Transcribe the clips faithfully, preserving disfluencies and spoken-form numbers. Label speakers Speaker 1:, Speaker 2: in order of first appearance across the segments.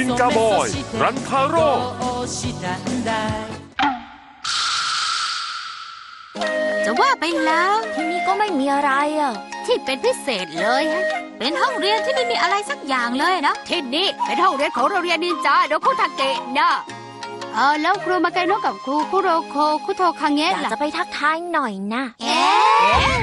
Speaker 1: นจาบอยรันทาโร่
Speaker 2: จะว่าไปแล้ว
Speaker 3: ที่นี่ก็ไม่มีอะไรอ่ะ
Speaker 2: ที่เป็นพิเศษเลยฮะเป็นห้องเรียนที่ไม่มีอะไรสักอย่างเลยนะที่นี่เป็นห้องเรียนของโรงเรียนนินจาโดคุทาเกะนะเออแล้วครูมาไกโนะกับครูคุโรโคคุโทคังเงะ
Speaker 3: อยากจะไปทักทายหน่อยนะ
Speaker 2: เอ๊ะ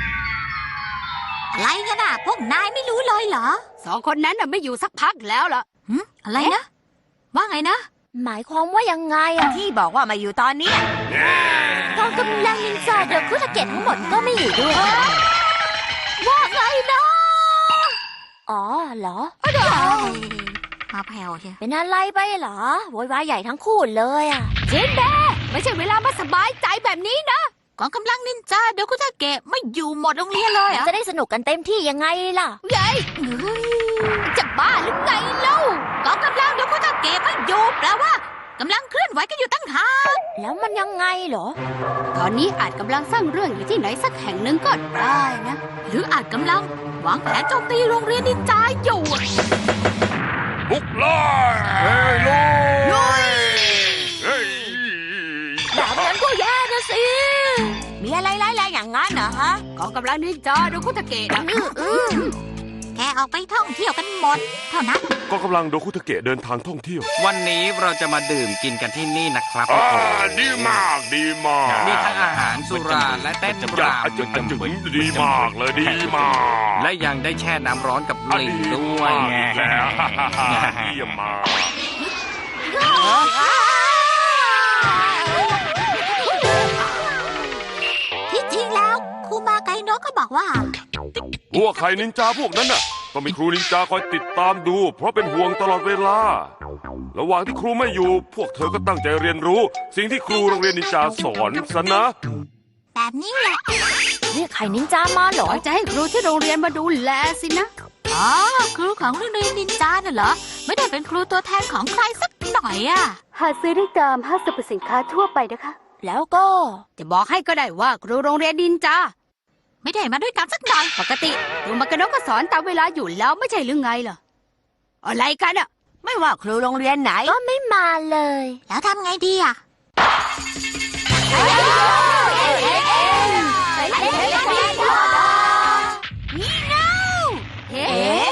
Speaker 2: อะไรกันอ่ะพวกนายไม่รู้เลยเหรอสองคนนั้นน่ะไม่อยู่สักพักแล้วล่ะหืมอะไรนะว่าไงนะ
Speaker 3: หมายความว่ายังไงอ่ะ
Speaker 4: ที่บอกว่ามาอยู่ตอนนี้
Speaker 3: กองกำลังนินจาโดคุทาเกะทั้งหมดก็ไม่อยู่ด้วย
Speaker 2: ว่าไงนะ
Speaker 3: อ๋อเหรอ
Speaker 2: มาแผ่วใช่
Speaker 3: เป็นอะไรไปเหรอโวยวายใหญ่ทั้งคู่เลยอ่ะ
Speaker 2: จินเบ้ไม่ใช่เวลามาสบายใจแบบนี้นะกองกำลังนินจาโดคุทาเกะไม่อยู่หมดโรงเรียนเลยอ่ะ
Speaker 3: จะได้สนุกกันเต็มที่ยังไงล่ะ
Speaker 2: ยัยจะบ้าหรือไงเล่ากองกำลังโดคุทาเกะไม่อยู่แปลว่ากำลังเคลื่อนไหวกันอยู่ตั้งหาก
Speaker 3: แล้วมันยังไงเหรอ
Speaker 2: ตอนนี้อาจกำลังสร้างเรื่องอยู่ที่ไหนสักแห่งหนึ่งก็ได้นะหรืออาจกำลังวางแผนโจมตีโรงเรียนนินจาอยู่
Speaker 1: บุกเลยเฮ้ยลุยลุยเฮ้ย
Speaker 3: แบบนั้นก็แย่นะสิ
Speaker 4: มีอะไรร้ายๆอย่างงั้นเหรอฮะ
Speaker 2: กองกำลังนินจาโดคุทาเกะแกออกไปท่องเที่ยวกันหมดเท่านั้น
Speaker 1: ก็กำลังโดคุทาเกะเดินทางท่องเที่ยว
Speaker 5: วันนี้เราจะมาดื่มกินกันที่นี่นะครับ
Speaker 1: อ่าดีมากดีมาก
Speaker 5: มีทั้งอาหารสุราและเต้นรำ
Speaker 1: มันจะดีมากเลยดีมาก
Speaker 5: และยังได้แช่น้ำร้อนกับลิงด้วย
Speaker 1: แล้วเยี่ยมมาก
Speaker 2: ที่จริงแล้วครูมาไกโนะก็บอกว่า
Speaker 1: พวกใครนินจาพวกนั้นน่ะก็มีครูนินจาคอยติดตามดูเพราะเป็นห่วงตลอดเวลาระหว่างที่ครูไม่อยู่พวกเธอก็ตั้งใจเรียนรู้สิ่งที่ครูโรงเรียนนินจาสอนซะนะ
Speaker 2: แบบนี้แหละ
Speaker 3: เรียกใครนินจามาเหรอ
Speaker 2: จะให้ครูที่โรงเรียนมาดูแลสินะอ๋อครูของโรงเรียนนินจาน่ะเหรอไม่ได้เป็นครูตัวแทนของใครสักหน่อยอ่ะ
Speaker 6: หาซื้อได้ตามห้างสรรพสินค้าทั่วไปนะคะ
Speaker 3: แล้วก็
Speaker 2: จะบอกให้ก็ได้ว่าครูโรงเรียนนินจาไม่ได้มาด้วยกันสักหน่อยปกติครูมากระโนะก็สอนตามเวลาอยู่แล้วไม่ใช่หรือไงล่ะอะไรกันอ่ะ
Speaker 4: ไม่ว่าครูโรงเรียนไหน
Speaker 3: ก็ไม่มาเลย
Speaker 2: แล้วทำไงดีอ่ะ
Speaker 4: นี่เน่า
Speaker 2: เอ๊ะ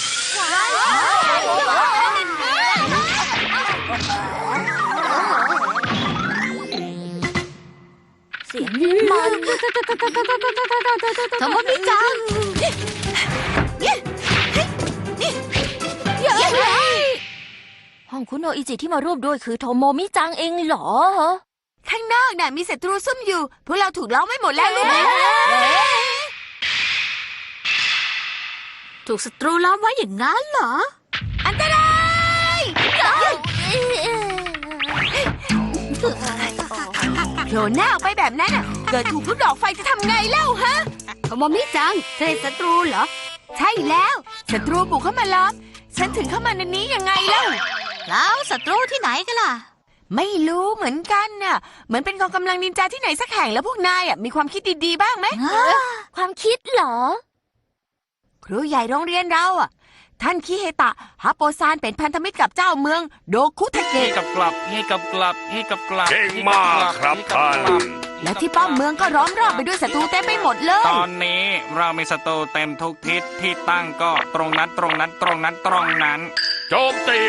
Speaker 3: เสียงนี้มัน
Speaker 2: ทำไมไม่จัง
Speaker 3: ห้องคุณโออิจิที่มาร่วมด้วยคือโทโมมิจังเองเหรอ
Speaker 4: ข้างนอกน่ะมีศัตรูซุ่มอยู่พวกเราถูกล้อมไว้หมดแล้วรู้ไหม
Speaker 2: ถูกศัตรูล้อมไว้อย่างนั้นเหรอ
Speaker 4: อันตรายโผล่หน้าออกไปแบบนั้นน่ะเกิดถูกลูกดอกไฟจะทำไงเล่าฮะ
Speaker 2: โทโมมิจังเธอศัตรูเหรอ
Speaker 4: ใช่แล้วศัตรูบุกเข้ามาล้อมฉันถึงเข้ามาในนี้ยังไงเล่า
Speaker 2: แล้วศัตรูที่ไหนกันล่ะ
Speaker 4: ไม่รู้เหมือนกันน่ะเหมือนเป็นกองกำลังนินจาที่ไหนสักแห่งแล้วพวกนายอ่ะมีความคิดดีๆบ้างไหม
Speaker 3: ความคิดเหรอ
Speaker 4: ครูใหญ่โรงเรียนเราอ่ะท่านคิเฮตะฮาโปซานเป็นพันธมิตรกับเจ้าเมืองโดคุทาเกะ
Speaker 5: กับกลับให้กับกลับให้กับกลับ
Speaker 1: เก่งมากครับท่าน
Speaker 4: และที่ป้อมเมืองก็ล้อมรอบไปด้วยศัตรูเต็มไปหมดเลย
Speaker 5: ตอนนี้เรามีศัตรูเต็มทุกทิศที่ตั้งก็ตรงนั้นตรงนั้นตรงนั้นตรงนั้น
Speaker 1: โจมตี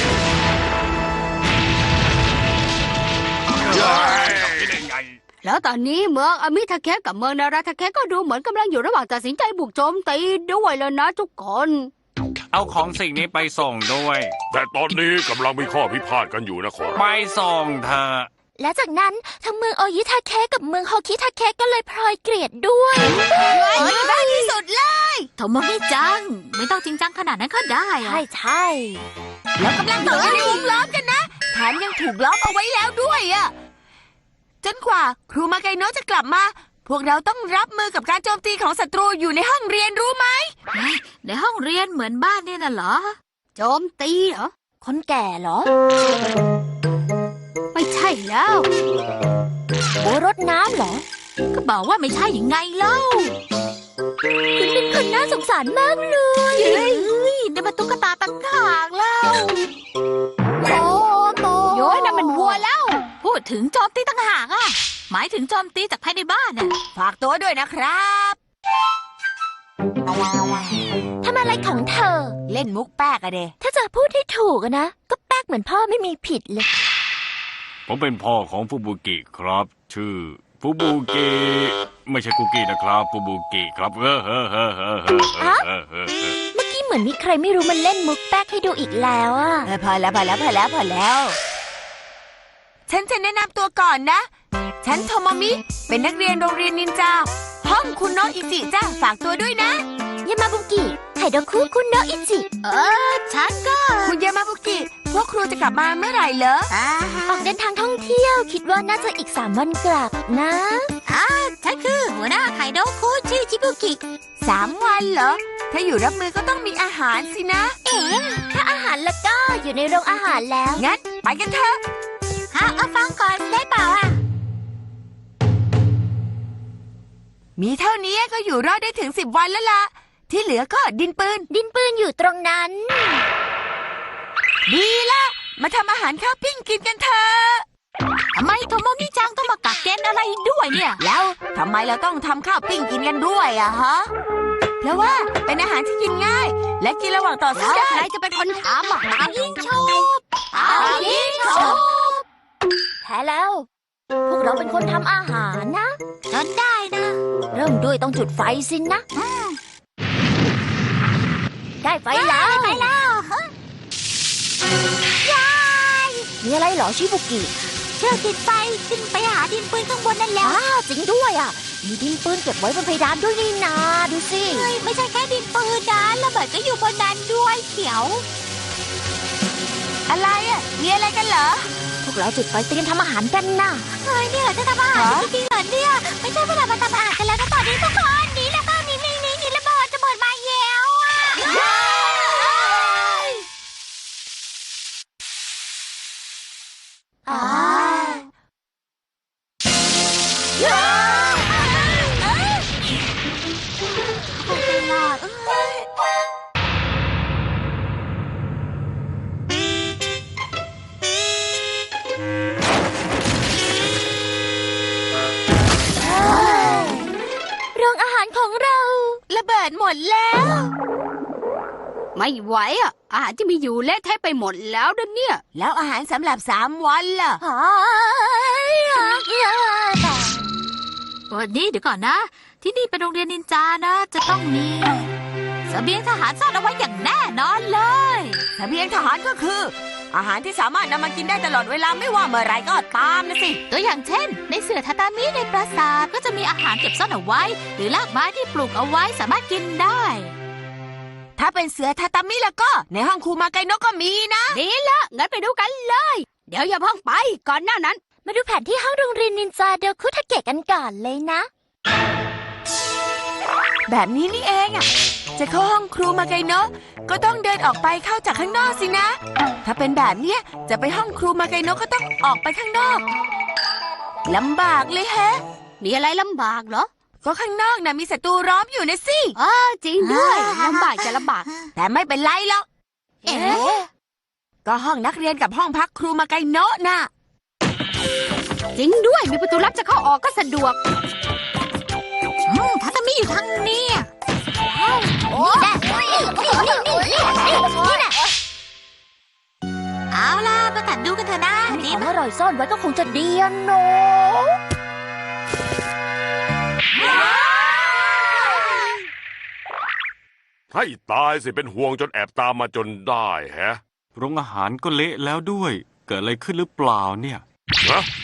Speaker 2: แล้วตอนนี้เมืองอามิทาเคะกับเมืองนาราทาเคะก็ดูเหมือนกำลังอยู่ระหว่างตัดสินใจบุกโจมตีด้วยแล้วนะทุกคน
Speaker 5: เอาของสิ่งนี้ไปส่งด้วย
Speaker 1: แต่ตอนนี้กำลังมีข้อพิพาทกันอยู่นะขอ
Speaker 5: ไปส่งเธอ
Speaker 3: และจากนั้นทั้งเมืองโอยิทาเคะกับเมืองโฮคิทาเคะก็เลยพลอยเกลียดด้วย
Speaker 4: ได้ที่สุดเลย
Speaker 2: โทโมมิจังไม่ต้องจริงจังขนาดนั้นก็ได้
Speaker 3: ใช่ใช่
Speaker 4: แล้วกำลังตกอยู่ในวงล้อมกันนะแถมยังถูกล้อมเอาไว้แล้วด้วยอ่ะจนกว่าครูมาไกโนะจะกลับมาพวกเราต้องรับมือกับการโจมตีของศัตรูอยู่ในห้องเรียนรู้ไหม
Speaker 2: ในห้องเรียนเหมือนบ้านนี่น่ะเหรอโจมตีเหรอ
Speaker 3: คนแก่เหรอ
Speaker 2: ไม่ใช่แล้ว
Speaker 3: โบรดน้ำเหรอ
Speaker 2: ก็บอกว่าไม่ใช่ยังไงเล่า
Speaker 3: คุณเป็นคนน่าสงสารมากเลย
Speaker 2: เฮ้ยได้มาตุ๊กตาตั้งหากแล้วถึงโจมตีต่างหากอ่ะ หมายถึงโจมตีจากภายในบ้านน่ะ
Speaker 4: ฝากตัวด้วยนะครับ
Speaker 3: ทำอะไรของเธอ
Speaker 4: เล่นมุกแป๊กอะเด
Speaker 3: ถ้าจะพูดให้ถูกอะนะ ก็แป๊กเหมือนพ่อไม่มีผิดเลย
Speaker 5: ผมเป็นพ่อของฟูบุกิครับ ชื่อฟูบุกิไม่ใช่คุกกี้นะครับฟูบุกิครับเออเออเออเออเออเออเออเออ
Speaker 3: เมื่อกี้เหมือนมีใครไม่รู้มันเล่นมุกแป๊กให้ดูอีกแล้วอะ
Speaker 4: เออพอแล้วพอแล้วพอแล้วพอแล้ว ฉันจะแนะนำตัวก่อนนะ ฉันโทโมมิ เป็นนักเรียนโรงเรียนนินจา ห้องคุณโนอิจิจ้าฝากตัวด้วยนะ
Speaker 3: ยามาบุกิไฮโดคุคุณโนอิจิ
Speaker 2: เออ ฉันก็
Speaker 4: คุณยามาบุกิ พวกครูจะกลับมาเมื่อไหร่เหรอ
Speaker 2: อ่า
Speaker 3: ออกเดินทางท่องเที่ยว คิดว่าน่าจะอีกสามวันกลับนะ
Speaker 2: ฉันคือหัวหน้าไคโดคุชื่อชิบุกิ
Speaker 4: สามวันเหรอ ถ้าอยู่รับมือก็ต้องมีอาหารสินะ
Speaker 3: เอ๋ถ้าอาหารแล้วก็อยู่ในโรงอาหารแล้ว
Speaker 4: งั้นไปกันเถอะ
Speaker 2: ฮะเอาฟังก่อนได้เปล่าอ่ะ
Speaker 4: มีเท่านี้ก็อยู่รอดได้ถึงสิบวันแล้วล่ะ ที่เหลือก็ดินปืน
Speaker 3: ดินปืนอยู่ตรงนั้น
Speaker 4: ดีละมาทำอาหารข้าวปิ้งกินกันเถอะ
Speaker 2: ทำไมโทโมมิจังต้องมากักเกณฑ์อะไรด้วยเนี่ย
Speaker 4: แล้วทำไมเราต้องทำข้าวปิ้งกินกันด้วยอะฮะ เพราะว่าเป็นอาหารที่กินง่าย และกินระหว่างต่อสู้
Speaker 2: แล้ว
Speaker 4: ได้
Speaker 2: ใครจะเป็นคนทำอ่ะเอายิงชุบเอายิงชุบ
Speaker 3: แพ้แล้ว พวกเราเป็นคนทำอาหารนะ
Speaker 2: จนได้นะ
Speaker 3: เริ่มด้วยต้องจุดไฟสินะ ได้ไฟแล้ว
Speaker 2: ไปแล้ว
Speaker 3: มีอะไรเหรอชิบุกิ
Speaker 2: เชือกติดไฟขึ้นไปหาดินปืนข้างบนนั่นแหละ
Speaker 3: อ้าจริงด้วยอ่ะ มีดินปืนเก็บไว้บนเพดานด้วยนี่นาดูสิ
Speaker 2: เฮ้ยไม่ใช่แค่ดินปืนนะระเบิดก็อยู่บนนั้นด้วยเขียว
Speaker 4: อะไรอะมีอะไรกันเหรอ
Speaker 3: พวกเราจุดไฟเตรียมทำอาหารกันนะ
Speaker 2: เฮ้ยเนี่ยจะทำอาหาร
Speaker 4: ฮะ
Speaker 2: จริงๆเหรอเนี่ยไม่ใช่เวลามาทำอาหารกันแล้วนะตอนนี้ทุกคนหนีแล้วก็หนีหนีหนีหนีระเบิดจะเบิดมาแย้วอ่ะ
Speaker 3: อ๋อ โรงอาหารของเรา
Speaker 4: ระเบิดหมดแล้ว
Speaker 2: ไม่ไหวอ่ะอาหารที่มีอยู่เละเทะไปหมดแล้วนะเนี่ย
Speaker 4: แล้วอาหารสำหรับสามวันล่ะ
Speaker 3: อ๋อ
Speaker 2: วันนี้เดี๋ยวก่อนนะ ที่นี่เป็นโรงเรียนนินจานะ จะต้องมีเสบียงทหารซ่อนเอาไว้อย่างแน่นอนเลย
Speaker 4: เสบียงทหารก็คือ อาหารที่สามารถนำมากินได้ตลอดเวลาไม่ว่าเมื่อไรก็ตามนะสิ
Speaker 2: ตัวอย่างเช่น ในเสื่อทาตามิในปราสาทก็จะมีอาหารเก็บซ่อนเอาไว้ หรือรากไม้ที่ปลูกเอาไว้สามารถกินได้
Speaker 4: ถ้าเป็นเสือทาตามิแล้วก็ ในห้องครูมาไกโนะก็มีนะ
Speaker 2: ดีละงั้นไปดูกันเลย เดี๋ยวอย่าเพิ่งไปก่อนหน้านั้น
Speaker 3: มาดูแผนที่ห้องโรงเรียนนินจาเดลคุทาเกะกันก่อนเลยนะ
Speaker 4: แบบนี้นี่เองอ่ะ จะเข้าห้องครูมาไกโนะก็ต้องเดินออกไปเข้าจากข้างนอกสินะ ถ้าเป็นแบบเนี้ยจะไปห้องครูมาไกโนะก็ต้องออกไปข้างนอกลำบากเลยแฮะ
Speaker 2: มีอะไรลำบากเหรอ
Speaker 4: ก็ข้างนอกน่ะมีศัตรูล้อมอยู่นะสิ
Speaker 2: อ๋อจริงด้วยลำบากจะลำบาก
Speaker 4: แต่ไม่เป็นไรหรอก
Speaker 2: เอ๊ะ
Speaker 4: ก็ห้องนักเรียนกับห้องพักครูมาไกโนะน่ะ
Speaker 2: จริงด้วยมีประตูลับจะเข้าออกก็สะดวกอืมทาตามิอยู่ทางนี้
Speaker 3: นี่แหละนี่นี่นี่นี่นี่นี่แหละ
Speaker 2: เอาล่ะมาตัดดูกันเถอะนะ
Speaker 3: มี
Speaker 2: ดี
Speaker 3: ของ
Speaker 2: มาก
Speaker 3: อร่อยซ่อนไว้ก็คงจะดีอะเนาะ
Speaker 1: ให้ตายสิเป็นห่วงจนแอบตามมาจนได้แฮะ
Speaker 5: โรงอาหารก็เละแล้วด้วย เกิดอะไรขึ้นหรือเปล่าเนี่ย
Speaker 1: ฮะ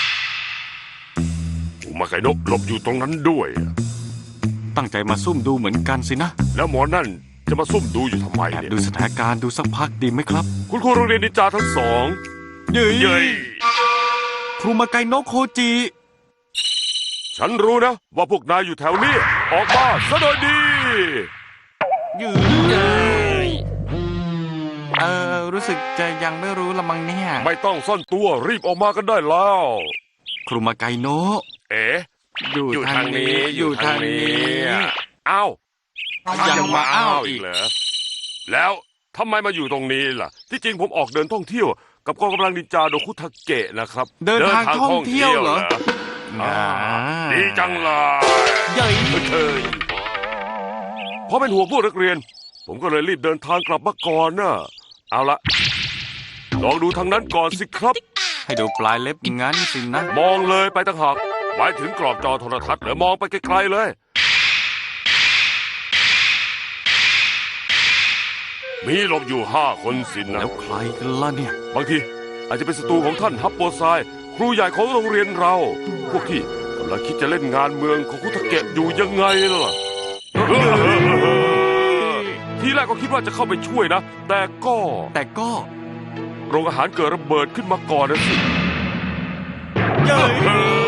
Speaker 1: อุมาไคโนะหลบอยู่ตรงนั้นด้วย
Speaker 5: ตั้งใจมาซุ่มดูเหมือนกันสินะ
Speaker 1: แล้วหมอนั่นจะมาซุ่มดูอยู่ทำไม
Speaker 5: แอบ
Speaker 1: เนี่ย
Speaker 5: ดูสถานการณ์ดูสักพักดีไหมครับ
Speaker 1: คุณครูโรงเรียนนินจาทั้งสอง
Speaker 5: เย้ย
Speaker 1: เย้ย
Speaker 5: ครูมาไกโนะโคจิ
Speaker 1: ฉันรู้นะ ว่าพวกนายอยู่แถวนี้ ออกมาซะโดยดี
Speaker 5: ยืยเออรู้สึกจะยังไม่รู้ละมั้งเนี่ย
Speaker 1: ไม่ต้องซ่อนตัวรีบออกมากันได้แล้ว
Speaker 5: ครูมาไกโนะ
Speaker 1: เอ๋
Speaker 5: อยู่
Speaker 1: อยู่
Speaker 5: ทา
Speaker 1: ทาง ง
Speaker 5: นี้
Speaker 1: นี้
Speaker 5: อยู่ทางนี้
Speaker 1: อ้าว
Speaker 5: ยังมาอ้าวอีก
Speaker 1: เหรอแล้วทำไมมาอยู่ตรงนี้ล่ะ ที่จริงผมออกเดินท่องเที่ยวกับกองกำลังนินจาโดคุทาเกะนะครับ
Speaker 5: เดินทางท่องเที่ยวเหรอ
Speaker 1: อ่าดีจังเลย
Speaker 5: เย้ย
Speaker 1: เคยเพราะเป็นห่วงพวกนักเรียน ผมก็เลยรีบเดินทางกลับมาก่อนนะเอาละลองดูทางนั้นก่อนสิครับ
Speaker 5: ให้ดูปลายเล็บงั้นสินะ
Speaker 1: มองเลยไปต่างหากหมายถึงกรอบจอโทรทัศน์หรือมองไปไกลๆเลย มีหลบอยู่ห้าคนสินะ
Speaker 5: แล้วใครกันล่ะเนี่ย
Speaker 1: บางทีอาจจะเป็นศัตรูของท่านฮับโปไซครูใหญ่ของโรงเรียนเรา พวกที่กำลังคิดจะเล่นงานเมืองของคุทาเกะอยู่ยังไงล่ะ ทีแรกก็คิดว่าจะเข้าไปช่วยนะ แต่ก็
Speaker 5: แต่ก็
Speaker 1: โรงอาหารเกิดระเบิดขึ้นมาก่อนนะสิ
Speaker 5: เย้ย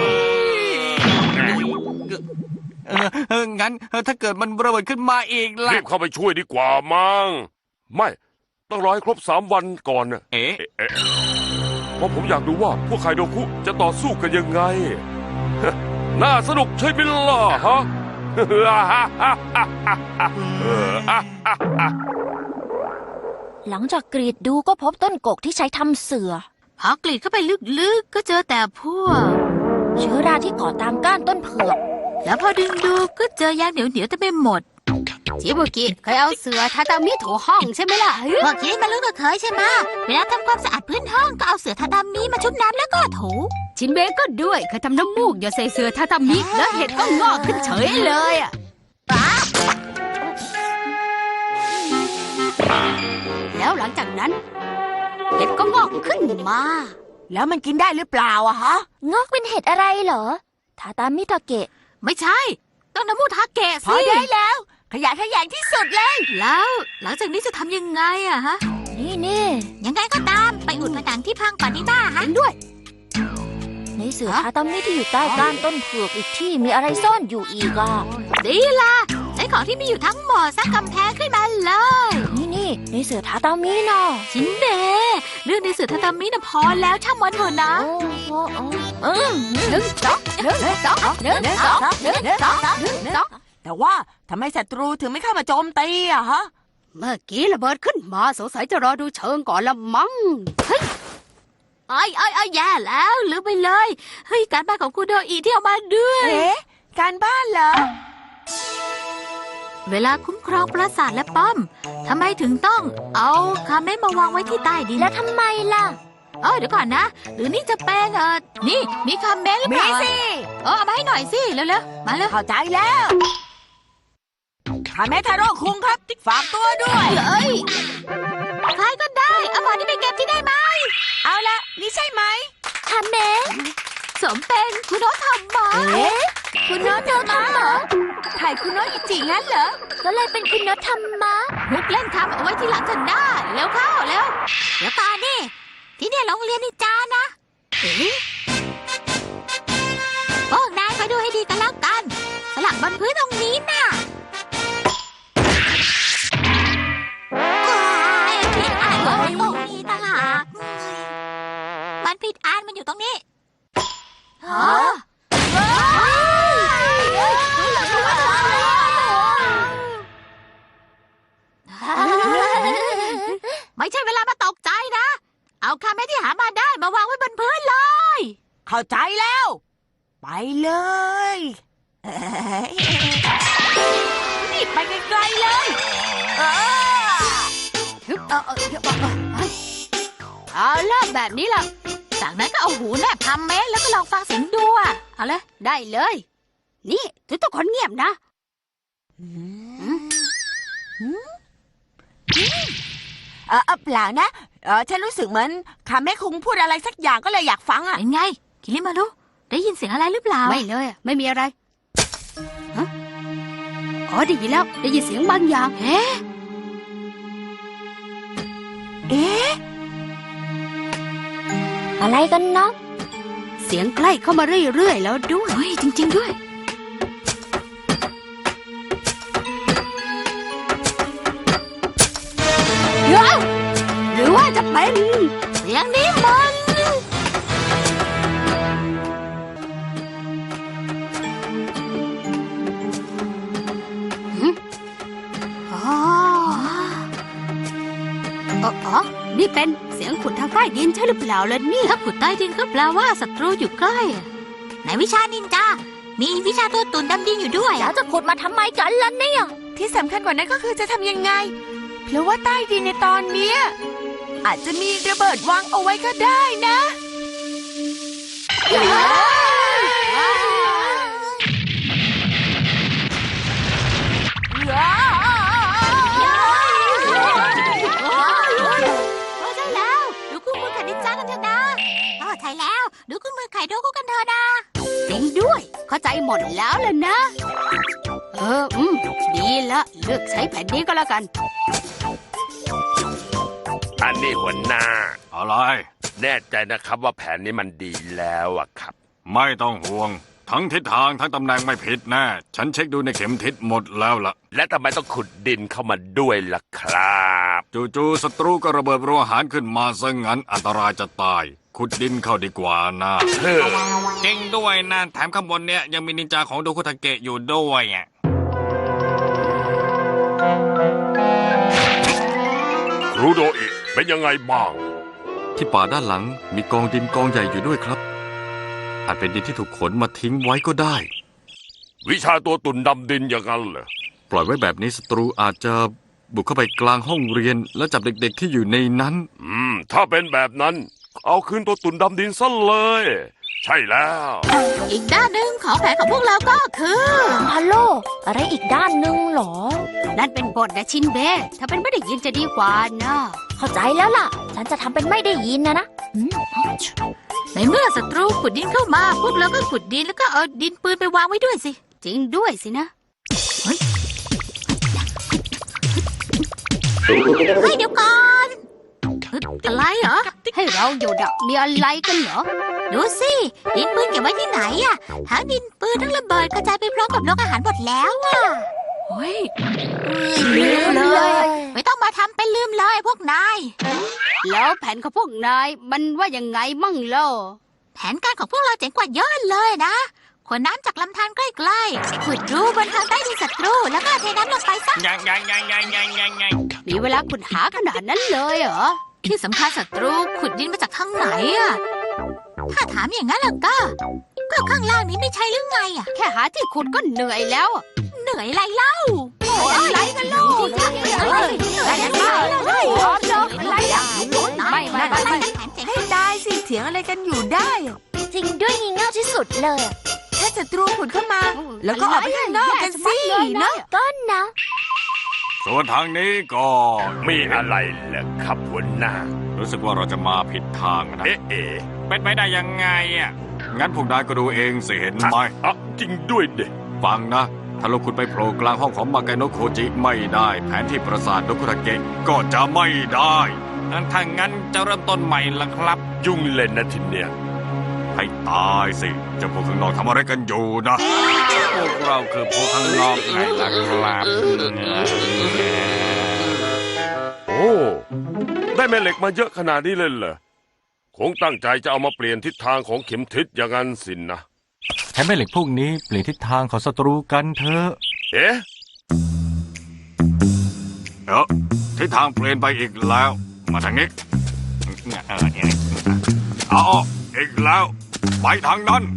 Speaker 5: เออเอองั้นเออถ้าเกิดมันระเบิดขึ้นมาอีกล่ะ
Speaker 1: รีบเข้าไปช่วยดีกว่ามั้งไม่ต้องรอให้ครบสามวันก่อนนะ
Speaker 5: เอ๊ะ
Speaker 1: เอ๊ะเอ๊ะเพราะผมอยากดูว่าพวกไคโดคุจะต่อสู้กันยังไง น่าสนุกใช่ไหมล่ะฮะ
Speaker 3: หลังจากกรีดดูก็พบต้นกกที่ใช้ทำเสือ
Speaker 2: พอกรีดเข้าไปลึกๆก็เจอแต่พวก
Speaker 3: เชื้อราที่เกาะตามก้านต้นเผือก
Speaker 2: แล้วพอดึงดูก็เจอยางเหนียวๆเต็มไปหมดจิบุกิเคยเอาเสือทาตามิถูห้องใช่ไหมล่ะ
Speaker 4: พวกคิดมารู้ก็เคยใช่ไหมเวลาทำความสะอาดพื้นห้องก็เอาเสือทาดามิมาชุบน้ำแล้วก็ถู
Speaker 2: ชินเบะก็ด้วยเคยทำน้ำมูกอย่าใส่เสือทาตามิแล้วเห็ดก็งอกขึ้นเฉยเลยอ่ะแล้วหลังจากนั้นเห็ดก็งอกขึ้นมา
Speaker 4: แล้วมันกินได้หรือเปล่าอะฮะ
Speaker 3: งอกเป็นเห็ดอะไรเหรอ ทาตามิทาเกะ
Speaker 2: ไม่ใช่ต้องน้ำมูกทาเกะ
Speaker 4: พอ
Speaker 2: สิ
Speaker 4: ได้แล้ว ขยะขยงที่สุดเลย
Speaker 2: แล้วหลังจากนี้จะทำยังไงอะฮะ
Speaker 3: นี่นี่
Speaker 4: ยังไงก็ตามไปอุดผนังที่พังก่อนดีบ้าฮะ
Speaker 2: เห็นด้วย
Speaker 3: ในเสือทาตามิที่อยู่ใต้ก้านต้นเผือกอีกที่มีอะไรซ่อนอยู่อีกอ่ะ
Speaker 2: ดีล่ะใช้ของที่มีอยู่ทั้งหมดสร้างกำแพงขึ้นมาเลย
Speaker 3: นี่นี่ในเสือทาตามิเนาะ
Speaker 2: ชินเบะเรื่องในเสือทาตามิน่ะพอแล้วช่างมันเถอะนะ
Speaker 3: โอ้โหโอ้เออ
Speaker 2: หนึ่งสองหนึ่งสองหนึ่งสองหนึ่งสองหนึ่งสอง
Speaker 4: แต่ว่าทำไมศัตรูถึงไม่เข้ามาโจมตีอะฮะ
Speaker 2: เมื่อกี้ระเบิดขึ้นมาสงสัยจะรอดูเชิงก่อนละมั้งเฮ้ยไอ้ไอ้ไอ้แย่แล้วลืมไปเลยเฮ้ยการบ้านของคุณโดอีที่เอามาด้วย
Speaker 4: เอ๊ะ การบ้านเหรอ
Speaker 2: เวลาคุ้มครองปราสาทและป้อมทำไมถึงต้องเอาคาเมะมาวางไว้ที่ใต้ดิน
Speaker 3: แล้วทำไมล่ะ
Speaker 2: เออเดี๋ยวก่อนนะ หรือนี่จะเป็นเออนี่มีคาเมะหรือเป
Speaker 4: มี
Speaker 2: ล่า
Speaker 4: สิ
Speaker 2: เออเอามาให้หน่อยสิเร็วๆมาเลย
Speaker 4: เข้าใจแล้วคาเมทาโร่คุงครับ ฝากตัวด้วย
Speaker 2: เอ้ยใครก็ได้เอาหมอนี่ไปเก็บที่ได้ไหม
Speaker 4: เอาละนี่ใช่ไหม
Speaker 3: คาเมะ
Speaker 2: สมเป็นคุณโนทำมา
Speaker 3: เอ๊ะคุณโนโดทำเหรอ
Speaker 4: ถ่ายคุณโนอิจิงั้นเหรอ
Speaker 3: ก็เลยเป็นคุณโนทำมา
Speaker 2: ฮุกเล่นคำเอาไว้ที่หลังกันได้เร็วเข้าเร็วเดี๋ยวก่อนนี่ที่เนี่ยโรงเรียนนินจานะเอ๊ะพวกนายไปดูให้ดีกันแล้วกันสลักบนพื้นตรงนี้น่ะผิดอันมันอยู่ตรงนี้ต่างหากมันผิดอันมันอยู่ตรงนี้ฮะไม่ใช่เวลามาตกใจนะ เอาคาเมะที่หามาได้มาวางไว้บนพื้นเลย
Speaker 4: เข้าใจแล้ว ไปเลยเอ้ยนี่ไปไกลๆเลยเออ
Speaker 2: เอาล่ะแบบนี้ล่ะ จากนั้นก็เอาหูแนบคาเมะแล้วก็ลองฟังเสียงดูอ่ะ เอาเลยได้เลย นี่ทุกทุกคนเงียบนะ
Speaker 4: เออเออเปล่านะ เออฉันรู้สึกเหมือนคาเมคุงพูดอะไรสักอย่างก็เลยอยากฟังอ่ะ
Speaker 2: เป็นไง คิริมารุได้ยินเสียงอะไรหรือเปล่า ไม่เลยไม่มีอะไรฮะอ๋อได้ยินแล้ว ได้ยินเสียงบางอย่างเอ๊ะ
Speaker 4: เอ๊ะ
Speaker 3: อะไรกันเนาะ
Speaker 2: เสียงใกล้เข้ามาเรื่อยๆแล้วด้วยเฮ้ยจริง ๆด้วย เดี๋ยวหรือว่าจะเป็นเสียงนี้มันหึอ๋ออ๋ออ๋อนี่เป็นเสียงขุดทางใต้ดินใช่หรือเปล่าล่ะนี่ถ้าขุดใต้ดินก็แปลว่าศัตรูอยู่ใกล้ในวิชานินจามีวิชาตัวตุ่นดำดินอยู่ด้วย
Speaker 3: แล้วจะขุดมาทำไมกันล่ะเนี่ย
Speaker 4: ที่สำคัญกว่านั้นก็คือจะทำยังไง เพราะว่าใต้ดินในตอนเนี้ยอาจจะมีระเบิดวางเอาไว้ก็ได้นะ
Speaker 2: ใช่แล้วดูคู่มือไข่นินจากันเถอะนะอ๋อใช่แล้วดูคู่มือไข่โดกุกันเถอะนะจริงด้วยเข้าใจหมดแล้วล่ะนะเอออืมดีละเลือกใช้แผ่นนี้ก็แล้วกัน
Speaker 1: อันนี้หัวหน้า
Speaker 5: อะไร
Speaker 1: แน่ใจนะครับว่าแผนนี้มันดีแล้วอะครับ
Speaker 5: ไม่ต้องห่วง ทั้งทิศทางทั้งตำแหน่งไม่ผิดแน่ ฉันเช็คดูในเข็มทิศหมดแล้วล่ะ
Speaker 1: และทำไมต้องขุดดินเข้ามาด้วยล่ะครับ
Speaker 5: จู่ๆศัตรูก็ระเบิดโรงอาหารขึ้นมาซะงั้นอันตรายจะตาย ขุดดินเข้าดีกว่านะ
Speaker 1: เฮ้อ
Speaker 5: จริงด้วยนะแถมข้างบนเนี่ยยังมีนินจาของโดคุทาเกะอยู่ด้วยอ่ะ
Speaker 1: ครูโดอิเป็นยังไงบ้าง
Speaker 7: ที่ป่าด้านหลังมีกองดินกองใหญ่อยู่ด้วยครับ อาจเป็นดินที่ถูกขนมาทิ้งไว้ก็ได้
Speaker 1: วิชาตัวตุ่นดำดินอย่างนั้นเหรอ
Speaker 7: ปล่อยไว้แบบนี้ศัตรูอาจจะบุกเข้าไปกลางห้องเรียน และจับเด็กๆที่อยู่ในนั้น
Speaker 1: อืม ถ้าเป็นแบบนั้น เอาคืนตัวตุ่นดำดินซะเลย ใช่แล้ว
Speaker 2: อีกด้านหนึ่งของแผนของพวกเราก็คือ
Speaker 3: ฮัลโหลอะไรอีกด้านหนึ่งเหรอ
Speaker 2: นั่นเป็นบทนะชินเบะถ้าเป็นไม่ได้ยินจะดีกว่านะ
Speaker 3: เข้าใจแล้วล่ะ ฉันจะทำเป็นไม่ได้ยินนะนะอืม
Speaker 2: ในเมื่อศัตรูขุดดินเข้ามา พวกเราก็ขุดดินแล้วก็เอาดินปืนไปวางไว้ด้วยสิ จริงด้วยสินะเฮ้ยเฮ้ยเดี๋ยวก่อนอะไรเหรอให้เราอยู่ดักมีอะไรกันเหรอดูสิดินปืนเก็บไว้ที่ไหนอะทั้งดินปืนทั้งระเบิดกระจายไปพร้อมกับโรงอาหารหมดแล้วอะเฮ้ยลืมเลย ไม่ต้องมาทำเป็นลืมเลยพวกนาย แล้วแผนของพวกนายมันว่ายังไงมั่งเล่าแผนการของพวกเราเจ๋งกว่าเยอะเลยนะขนน้ำจากลำธารใกล้ๆขุดรูบนทางใต้ดินศัตรูแล้วก็เทน้ำลงไปซะ
Speaker 5: ยังยังยังยังยังยังยัง
Speaker 2: มีเวลาขุดหาขนาดนั้นเลยเหรอที่สำคัญศัตรูขุดดินมาจากทางไหนอะถ้าถามอย่างนั้นแล้วก็ ก็ข้างล่างนี้ไม่ใช่หรือไงอะแค่หาที่ขุดก็เหนื่อยแล้วเหนื่อยอะไรเล่าอะไรกันลูกอะไรกันบ้างพร้อมเนาะอะไรอะไม่ไม่ไม่ไม่
Speaker 4: ให้ตายสิเถียงอะไรกันอยู่ได้อะ
Speaker 3: จริงด้วยงี่เง่าที่สุดเลย
Speaker 4: ถ้าศัตรูขุดเข้ามา แล้วก็ออกไปข้างนอกกันสิเนาะ
Speaker 3: ก็นะ
Speaker 5: ส่วนทางนี้ก็
Speaker 1: มีอะไรเหรอครับหัวหน้า
Speaker 5: รู้สึกว่าเราจะมาผิดทางนะ
Speaker 1: เอ๊ะเอ๊ะ
Speaker 5: เป็นไปได้ยังไงอ่ะ งั้นพวกนายก็ดูเองสิเห็นไหม
Speaker 1: อ่ะจริงด้วยเด็
Speaker 5: ฟังนะ ถ้าเราขุดไปโผล่กลางห้องของมากาโนะโคจิไม่ได้ แผนที่ปราสาทโดคุทาเกะก็จะไม่ได้ถ้างั้นจะเริ่มต้นใหม่ละครับ
Speaker 1: ยุ่งเล่นนะทีเนี้ย
Speaker 5: ให้ตายสิเจ้าพวกข้างนอกทำอะไรกันอยู่นะ พวกเราคือพวกข้างนอกไงล่ะครับ
Speaker 1: โอ้ได้แม่เหล็กมาเยอะขนาดนี้เลยเหรอคงตั้งใจจะเอามาเปลี่ยนทิศทางของเข็มทิศอย่างนั้นสินนะ
Speaker 7: ใช้แม่เหล็กพวกนี้เปลี่ยนทิศทางของศัตรูกันเถอะ
Speaker 1: เอ๊ะ
Speaker 5: เอ้อทิศทางเปลี่ยนไปอีกแล้ว มาทางนี้เอาอีกแล้วไปทางนั้น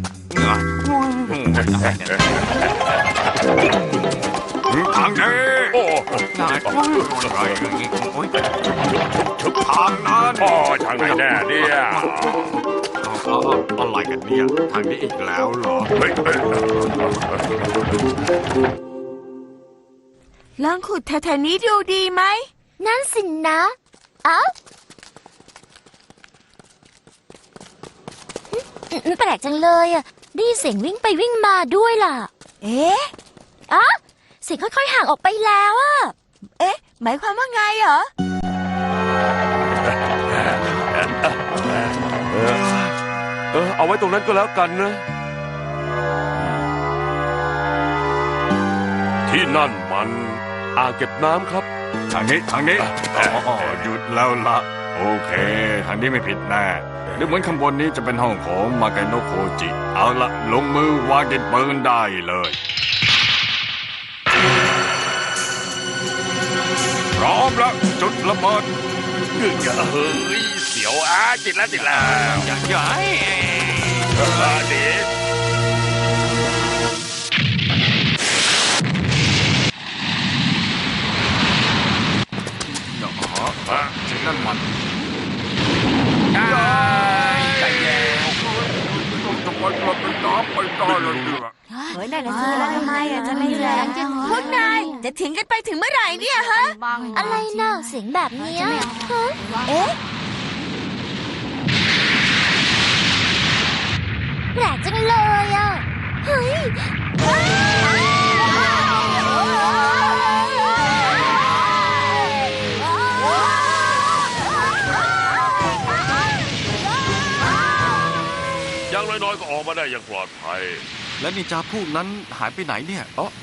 Speaker 5: ทางนี้
Speaker 1: โอ้
Speaker 5: อะไรอย่างนี้โอ๊ยทางนั้น
Speaker 1: โอ้ทางไหนแน่เนี่ย
Speaker 5: เอาอะไรกันเนี่ยทางนี้อีกแล้วเหรอ
Speaker 1: เฮ้ยเฮ้ย
Speaker 4: ลองขุดแถวๆนี้ดูดีไหม
Speaker 3: นั่นสินะเอ้าอืมแปลกจังเลยอ่ะได้ยินเสียงวิ่งไปวิ่งมาด้วยล่ะ
Speaker 4: เอ๊ะ
Speaker 3: อ่ะเสียงค่อยๆห่างออกไปแล้วอ่ะ
Speaker 4: เอ๊ะ หมายความว่าไงเหรอ
Speaker 1: เออเอาไว้ตรงนั้นก็แล้วกันนะ ที่นั่นมันอ่างเก็บน้ำครับ
Speaker 5: ทางนี้ทางนี้อ๋อหยุดแล้วละโอเค ทางนี้ไม่ผิดแน่ดูเหมือนข้างบนนี้จะเป็นห้องของมากาโนะโคจิ เอาละลงมือวางดินปืนได้เลยพร้อมแล้วจุดระเบิด
Speaker 1: เฮ้ยเสีโอ้อาจิตแล้วจิตแล้ว
Speaker 5: อย่าใหญ่
Speaker 1: เออดี
Speaker 5: เนาะสิ่งนั้นมันใจแย่จะไปกลับไปน้ำไปต่อเลยดีกว่า
Speaker 3: เฮ้ยนั่นน่ะสิแล้วทำไมอ่ะจะไม่แรง
Speaker 4: พวกนายจะทิ้งกันไปถึงเมื่อไหร่เนี่ยฮะ
Speaker 3: อะไรน่ะเสียงแบบเนี้ยฮะเอ๊ะแปลกจังเลยอ่ะเฮ้ย
Speaker 1: อย่างน้อยๆก็ออกมาได้อย่างปลอดภัย
Speaker 7: และนินจาพวกนั้นหายไปไหนเนี่ย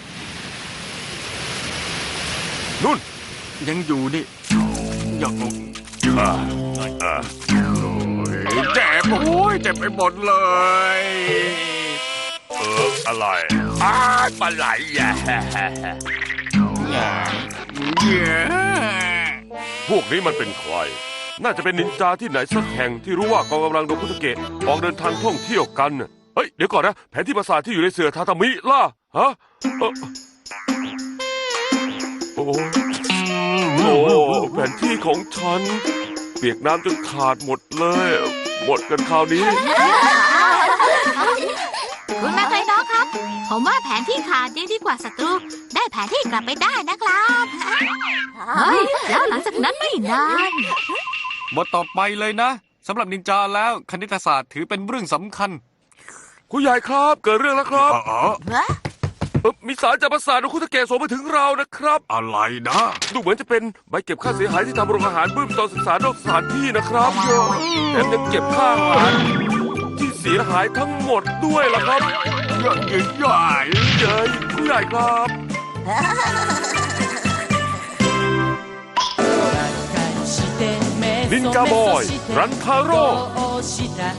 Speaker 1: นุ่น
Speaker 7: ยังอยู่นี่
Speaker 5: อย่าง
Speaker 1: อ่าอ่า
Speaker 5: เจ็บโอ้ยเจ็บไปหมดเลย
Speaker 1: เอออะไรอ้าปลาไหลแย่
Speaker 5: เย้
Speaker 1: พวกนี้มันเป็นใคร น่าจะเป็นนินจาที่ไหนสักแห่งที่รู้ว่ากองกำลังโดคุตเกะออกเดินทางท่องเที่ยวกัน เฮ้ย เดี๋ยวก่อนนะ แผนที่ปราสาทที่อยู่ในเสือทาตามิล่ะ ฮะเอ่อโอ้โอ้แผนที่ของฉัน เปียกน้ำจนขาดหมดเลย หมดกันคราวนี้
Speaker 2: คุณมาไกโนะครับ ผมว่าแผนที่ขาดยังดีกว่าศัตรู ได้แผนที่กลับไปได้นะครับเฮ้ยแล้วหลังจากนั้นไม่นาน
Speaker 7: บทต่อไปเลยนะสำหรับนินจาแล้วคณิตศาสตร์ถือเป็นเรื่องสำคัญ
Speaker 1: คุณใหญ่ครับ เกิดเรื่องแล้วครับ
Speaker 5: อ๋อ
Speaker 1: เอ่อมีสารจากปราสาทโดคุตเกะส่งมาถึงเรานะครับ
Speaker 5: อะไรนะ
Speaker 1: ดูเหมือนจะเป็นใบเก็บค่าเสียหายที่ทำโรงอาหารบื้มตอนศึกษานอกสถานที่นะครับแถมยังเก็บค่าอาหารที่เสียหายทั้งหมดด้วยล่ะครับ
Speaker 5: ใหญ่ใหญ่
Speaker 1: เย้ยผู้ใหญ่ครับ นินจาบอย รันทาโร่